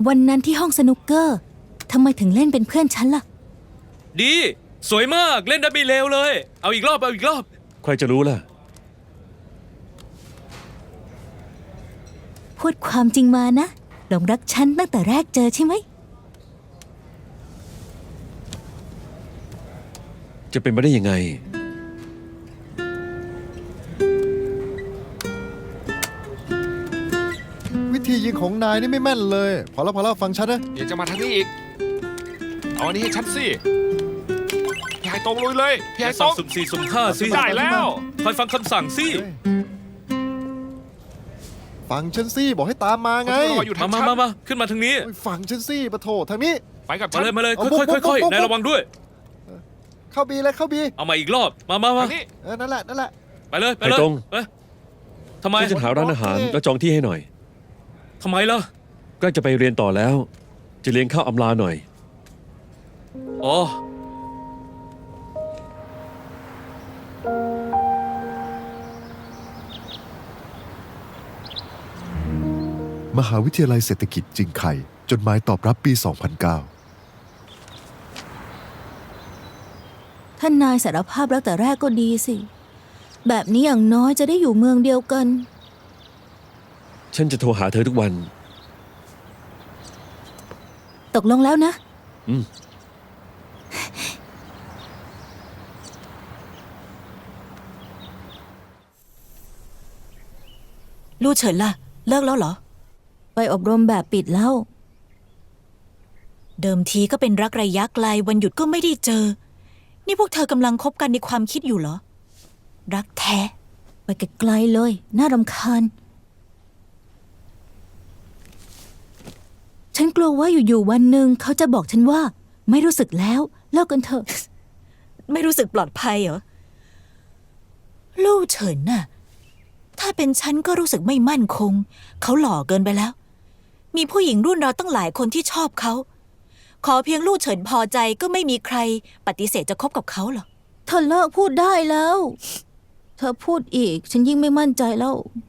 วันนั้นที่ห้องสนุกเกอร์ทำไมถึงเล่นเป็นเพื่อนฉันล่ะดีสวยมากเล่นได้ไม่เลวเลยเอาอีกรอบใครจะรู้ล่ะพูดความจริงมานะหลงรักฉันตั้งแต่แรกเจอใช่ไหมจะเป็นไปได้ยังไงวิธียิงของนายนี่ไม่แม่นเลยพอแล้วฟังฉันนะเดี๋ยวจะมาทางนี้อีกเอาอันนี้ให้ฉันสิพี่ไฮตรงลุยเลยพี่ไฮตรงสุ่ม4สุ่ม5สิได้แล้วคอยฟังคำสั่งสิฟังฉันสิบอกให้ตามมาไงรออยู่ทางฉันมาขึ้นมาทางนี้ฟังฉันสิปะโถทางนี้ไปกับฉัมาน เลยค่อยนายระวังด้วยเข้าบีเลยเข้าบีเอามาอีกรอบมาทางนี้นั่นแหละไปเลยไปตรงทำไมฉันจะหาร้านอาหารแล้วจองที่ให้หน่อยทำไมล่ะใกล้จะไปเรียนต่อแล้ว จะเลี้ยงข้าวอำลาหน่อยอ๋อมหาวิทยาลัยเศรษฐกิจจิงไคจดหมายตอบรับปี 2009 ท่านนายสารภาพรักแต่แรกก็ดีสิแบบนี้อย่างน้อยจะได้อยู่เมืองเดียวกันฉันจะโทรหาเธอทุกวันตกลงแล้วนะลู่เฉินล่ะเลิกแล้วเหรอไปอบรมแบบปิดแล้วเดิมทีก็เป็นรักระยะไกลวันหยุดก็ไม่ได้เจอนี่พวกเธอกำลังคบกันในความคิดอยู่เหรอรักแท้ไปไกลๆเลยน่ารำคาญฉันกลัวว่าอยู่ๆวันหนึ่งเขาจะบอกฉันว่าไม่รู้สึกแล้วเลิกกันเถอะไม่รู้สึกปลอดภัยเหรอลู่เฉินน่ะถ้าเป็นฉันก็รู้สึกไม่มั่นคงเขาหล่อเกินไปแล้วมีผู้หญิงรุ่นเราตั้งหลายคนที่ชอบเขาขอเพียงลู่เฉินพอใจก็ไม่มีใครปฏิเสธจะคบกับเขาหรอกเธอเลิกพูดได้แล้วเธอพูดอีกฉันยิ่งไม่มั่นใจแล้ว